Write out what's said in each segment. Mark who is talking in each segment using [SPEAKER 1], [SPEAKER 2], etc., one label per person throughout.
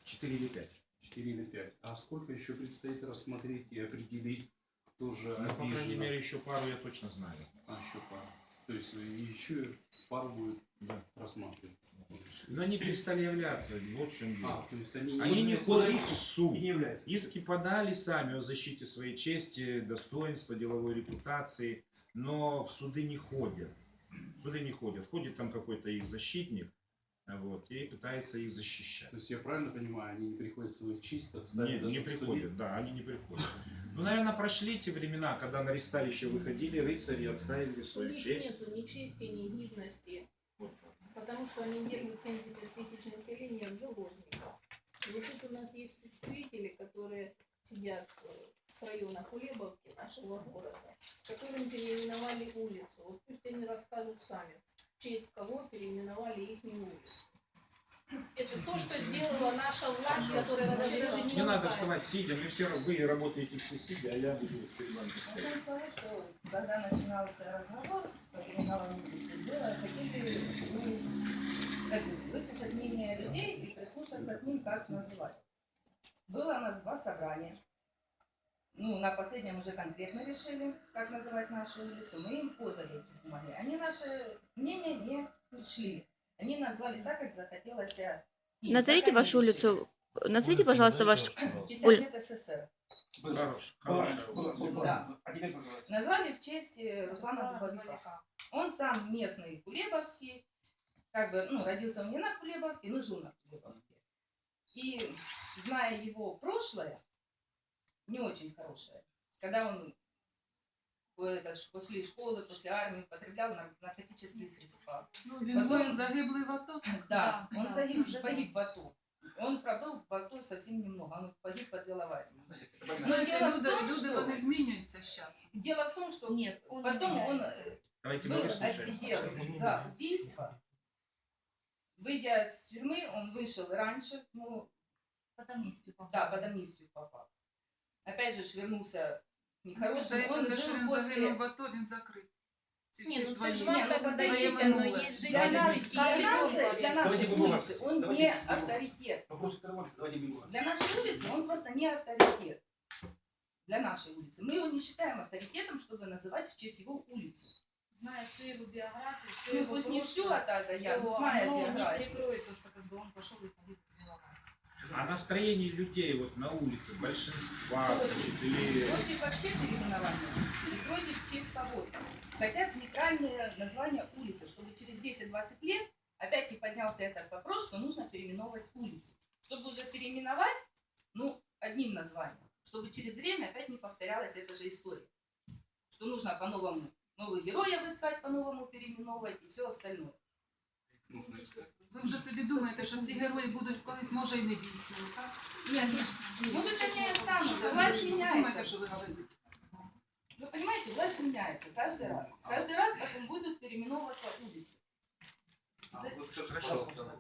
[SPEAKER 1] 4 или 5.
[SPEAKER 2] 4 или 5. А сколько еще предстоит рассмотреть и определить, кто же
[SPEAKER 1] Ну, по крайней
[SPEAKER 2] обижен?
[SPEAKER 1] мере, еще пару я точно знаю.
[SPEAKER 2] Еще пару. То есть еще пару будет рассматриваться.
[SPEAKER 1] Но они перестали являться, вот в чем дело.
[SPEAKER 2] То есть они
[SPEAKER 1] Они не ходят в суд.
[SPEAKER 2] не являются.
[SPEAKER 1] Иски подали сами о защите своей чести, достоинства, деловой репутации, но в суды не ходят. В суды не ходят. Ходит там какой-то их защитник, вот, и пытается их защищать.
[SPEAKER 2] То есть я правильно понимаю, они не приходят свою честь отставить?
[SPEAKER 1] Не приходят, да, они не приходят. Ну, наверное, прошли те времена, когда на ресталище выходили рыцари и отстаивали свою честь.
[SPEAKER 3] Нету ни чести, ни гидности, потому что они держат 70 тысяч населения в заложниках. И вот тут у нас есть представители, которые сидят с района Кулебовки, нашего города, которым переименовали улицу. Вот пусть они расскажут сами, в честь кого переименовали их улицу. Это то, что сделала наша власть, которая даже не
[SPEAKER 1] Не надо вставать сидя, вы работаете все сидя, а я буду перед вами стоять.
[SPEAKER 4] Начнем с того, что когда начинался разговор по переименованию улицы, хотели выслушать мнение людей и прислушаться к ним, как называть. Было у нас 2 собрания. Ну, на последнем уже конкретно решили, как называть нашу улицу. Мы им подали эти бумаги. Они наше мнение не учли. Они назвали так, как захотелось им.
[SPEAKER 5] Назовите вашу улицу. Назовите, пожалуйста, ваш...
[SPEAKER 4] 50 лет СССР.
[SPEAKER 1] Хорошо.
[SPEAKER 4] Да. Назвали в честь Руслана Дубовика. Он сам местный кулебовский, как бы, ну, родился он не на Кулебовке, но жил на Кулебовке. И зная его прошлое, не очень хорошее, когда он после школы, после армии употреблял наркотические средства.
[SPEAKER 6] Потом загиблый в АТО?
[SPEAKER 4] Да, он погиб в АТО. Он пробыл в АТО совсем немного, он погиб под Иловайском. Но дело в том, что...
[SPEAKER 6] Люди изменяются сейчас.
[SPEAKER 4] Дело в том, что
[SPEAKER 3] Нет,
[SPEAKER 4] потом он
[SPEAKER 1] Давайте
[SPEAKER 4] отсидел за убийство. Выйдя из тюрьмы, он вышел раньше, ну,
[SPEAKER 3] под амнистию попал.
[SPEAKER 4] да, под амнистию попал. Опять же, вернулся нехорошим. Он жил
[SPEAKER 6] він
[SPEAKER 4] после...
[SPEAKER 6] загинув в АТО, він закрит.
[SPEAKER 3] Не, ну
[SPEAKER 4] свои.
[SPEAKER 3] це ж вам
[SPEAKER 4] Не, ну,
[SPEAKER 3] так
[SPEAKER 4] подождите,
[SPEAKER 3] здається,
[SPEAKER 4] ну,
[SPEAKER 3] но есть
[SPEAKER 4] Для нас,
[SPEAKER 3] жители
[SPEAKER 4] для нашей улицы он
[SPEAKER 1] Давайте
[SPEAKER 4] не
[SPEAKER 1] без слов.
[SPEAKER 4] авторитет.
[SPEAKER 1] Вопрос давайте без вас.
[SPEAKER 4] Для нашей улицы он просто не авторитет. Для нашей улицы. Мы его не считаем авторитетом, чтобы называть в честь его улицу.
[SPEAKER 3] Зная всю его биографию, все
[SPEAKER 4] Ну,
[SPEAKER 3] его
[SPEAKER 4] пусть не всю,
[SPEAKER 3] прошлое,
[SPEAKER 4] а так, я
[SPEAKER 3] то
[SPEAKER 4] знаю
[SPEAKER 3] оно не
[SPEAKER 4] биографию.
[SPEAKER 3] прикроет то, что как бы он пошел и погиб в Беловайске.
[SPEAKER 1] А настроение людей вот на улице, большинства, значит, или...
[SPEAKER 4] Против вообще переименования улицы и против в честь кого-то. Хотят нейтральное название улицы, чтобы через 10-20 лет опять не поднялся этот вопрос, что нужно переименовывать улицу. Чтобы уже переименовать, ну, одним названием, чтобы через время опять не повторялась эта же история. Что нужно по-новому новых героев искать, по-новому переименовывать и все остальное.
[SPEAKER 6] Ви вже собі думаєте, що ці герої будуть колись, може, і не дійсними, так?
[SPEAKER 4] Нет, может они и останутся, власть
[SPEAKER 6] Думаєте,
[SPEAKER 4] меняется.
[SPEAKER 6] що ви говорите?
[SPEAKER 4] Вы понимаете, власть меняется каждый раз. Каждый раз потом будут переименовываться улицы.
[SPEAKER 2] Вот скажи, пожалуйста,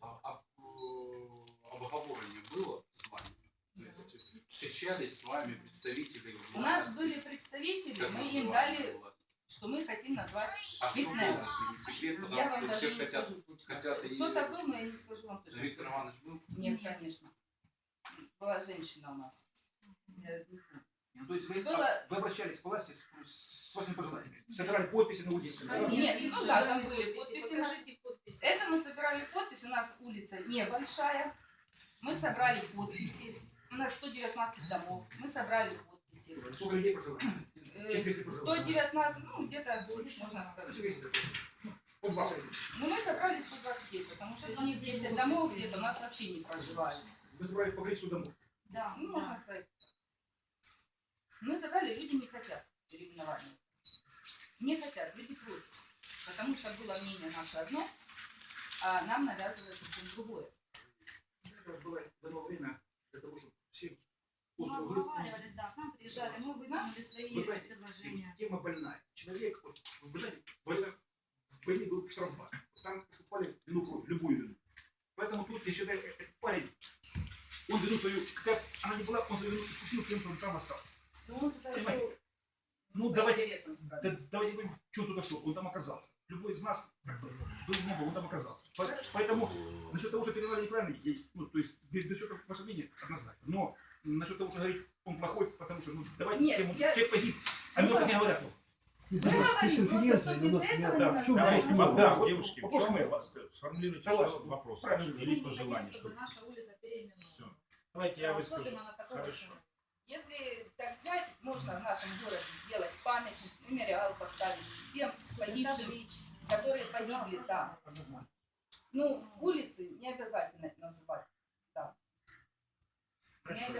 [SPEAKER 2] обговорение было с вами? То есть встречались с вами представители
[SPEAKER 4] У нас
[SPEAKER 2] власти?
[SPEAKER 4] были представители,
[SPEAKER 2] Как
[SPEAKER 4] мы им
[SPEAKER 2] называли
[SPEAKER 4] дали,
[SPEAKER 2] власть?
[SPEAKER 4] что мы хотим назвать
[SPEAKER 2] А кто
[SPEAKER 4] Витнер.
[SPEAKER 2] был, если не секрет,
[SPEAKER 4] Я
[SPEAKER 2] потому
[SPEAKER 4] вам
[SPEAKER 2] что
[SPEAKER 4] даже
[SPEAKER 2] все
[SPEAKER 4] не
[SPEAKER 2] хотят...
[SPEAKER 4] скажу точно.
[SPEAKER 2] хотят и-
[SPEAKER 4] Кто такой, но я не скажу вам точно.
[SPEAKER 2] Виктор Иванович был?
[SPEAKER 4] Нет, конечно. Была женщина у нас.
[SPEAKER 7] Ну, то есть вы,
[SPEAKER 4] Было-
[SPEAKER 7] вы обращались к власти с вашими пожеланиями, собирали подписи на улице.
[SPEAKER 4] Нет, ну да, там были подписи.
[SPEAKER 3] Покажите подписи.
[SPEAKER 4] Это мы собирали подписи, у нас улица небольшая. Мы собрали подписи. У нас 119 домов. Мы собрали подписи.
[SPEAKER 7] Сколько людей проживает? Чем ты проживаешь?
[SPEAKER 4] 119, ну где-то, можно сказать.
[SPEAKER 7] По 20.
[SPEAKER 4] Ну мы собрали 129, потому что у них 10 домов где-то у нас вообще не проживали.
[SPEAKER 7] Вы собрали по количеству домов.
[SPEAKER 4] Да, ну можно сказать. Мы собрали, люди не хотят переименования. Не хотят, люди против. Потому что было мнение наше одно, а нам навязывают совсем другое.
[SPEAKER 7] Это было дано время для того, чтобы все
[SPEAKER 8] Мы
[SPEAKER 7] отзывы
[SPEAKER 8] обговаривались, да, к нам приезжали, мы выдвинули свои
[SPEAKER 7] Вы знаете,
[SPEAKER 8] предложения.
[SPEAKER 7] тема больная. Человек, вот, вы знаете, в войне был штрафбат. Там искупали вину кровь, любую вину. Поэтому тут, я считаю, этот парень, он вину свою, как она не была, он свою вину искупил тем, что он там остался.
[SPEAKER 4] Ну, он туда
[SPEAKER 7] Понимаете?
[SPEAKER 4] шел
[SPEAKER 7] Ну,
[SPEAKER 4] по
[SPEAKER 7] давайте,
[SPEAKER 4] интересам собрать.
[SPEAKER 7] давайте говорим, что туда шел, он там оказался. Любой из нас, как бы, был, не был, он там оказался. Поэтому, насчет того, что передали неправильно, ну, то есть, без всякого можно говорить, он плохой, потому что, ну, давайте
[SPEAKER 4] Нет,
[SPEAKER 7] тему,
[SPEAKER 4] я-
[SPEAKER 7] человек погиб. А мне так не говорят. Ну,
[SPEAKER 4] Мы говорим, просто что без этого
[SPEAKER 7] да,
[SPEAKER 4] не
[SPEAKER 7] в чём
[SPEAKER 4] называем.
[SPEAKER 7] вопрос? Да, вот
[SPEAKER 1] девушки, в
[SPEAKER 7] вопрос
[SPEAKER 1] чем
[SPEAKER 7] мой.
[SPEAKER 1] у вас? Сформулируйте,
[SPEAKER 7] Согласен.
[SPEAKER 1] что вопрос
[SPEAKER 7] Правильно.
[SPEAKER 1] ваш
[SPEAKER 8] Мы
[SPEAKER 1] или
[SPEAKER 8] не
[SPEAKER 1] пожелание,
[SPEAKER 8] хотим,
[SPEAKER 1] что
[SPEAKER 8] чтобы наша улица переименована.
[SPEAKER 1] все. Давайте я выскажу.
[SPEAKER 8] Особенно на такого
[SPEAKER 1] Хорошо.
[SPEAKER 8] человека.
[SPEAKER 4] Если так взять, можно в нашем городе сделать памятник, мемориал поставить всем погибшим,
[SPEAKER 8] Таблички.
[SPEAKER 4] которые погибли там. Ну, улицы не обязательно называть. Да.
[SPEAKER 1] Хорошо.